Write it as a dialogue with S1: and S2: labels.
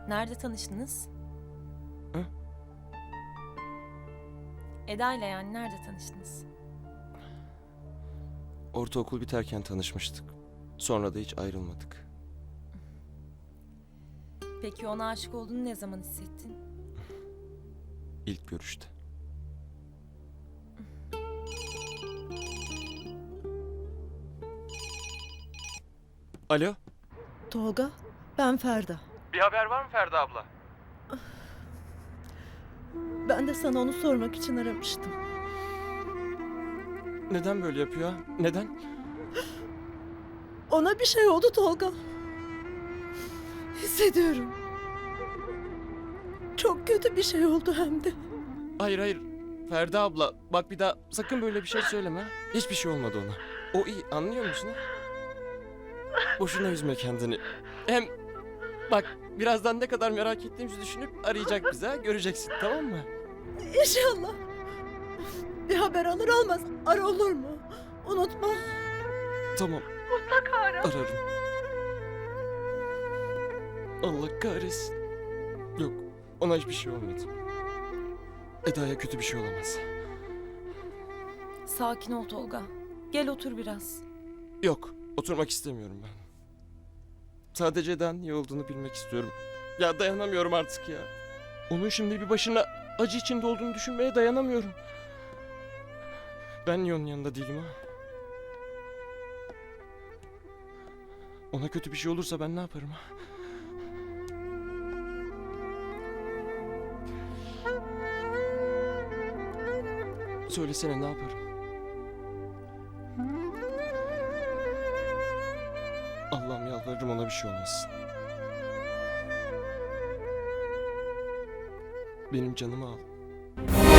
S1: Nerede tanıştınız?
S2: Hı?
S1: Eda ile yani nerede tanıştınız?
S2: Ortaokul biterken tanışmıştık. Sonra da hiç ayrılmadık.
S1: Peki ona aşık olduğunu ne zaman hissettin?
S2: İlk görüşte. Alo?
S3: Tolga, ben Ferda.
S2: Bir haber var mı Ferda abla?
S3: Ben de sana onu sormak için aramıştım.
S2: Neden böyle yapıyor? Neden?
S3: Ona bir şey oldu Tolga. Hissediyorum. Çok kötü bir şey oldu hem de.
S2: Hayır hayır. Ferda abla bak bir daha sakın böyle bir şey söyleme. Hiçbir şey olmadı ona. O iyi, anlıyor musun? Boşuna üzme kendini. Hem bak birazdan ne kadar merak ettiğimizi düşünüp arayacak bize, ha? Göreceksin, tamam mı?
S3: İnşallah. Bir haber alır almaz ara, olur mu? Unutma.
S2: Tamam.
S3: Mutlaka ara.
S2: Ararım. Allah kahretsin. Yok, ona hiçbir şey olmadı. Eda'ya kötü bir şey olamaz.
S1: Sakin ol Tolga. Gel otur biraz.
S2: Yok, oturmak istemiyorum ben. Sadece Eda'nın iyi olduğunu bilmek istiyorum. Ya dayanamıyorum artık ya. Onun şimdi bir başına acı içinde olduğunu düşünmeye dayanamıyorum. Ben niye onun yanında değilim ha? Ona kötü bir şey olursa ben ne yaparım ha? Söylesene ne yaparım? Allah'ım yalvarırım ona bir şey olmasın. Benim canımı al.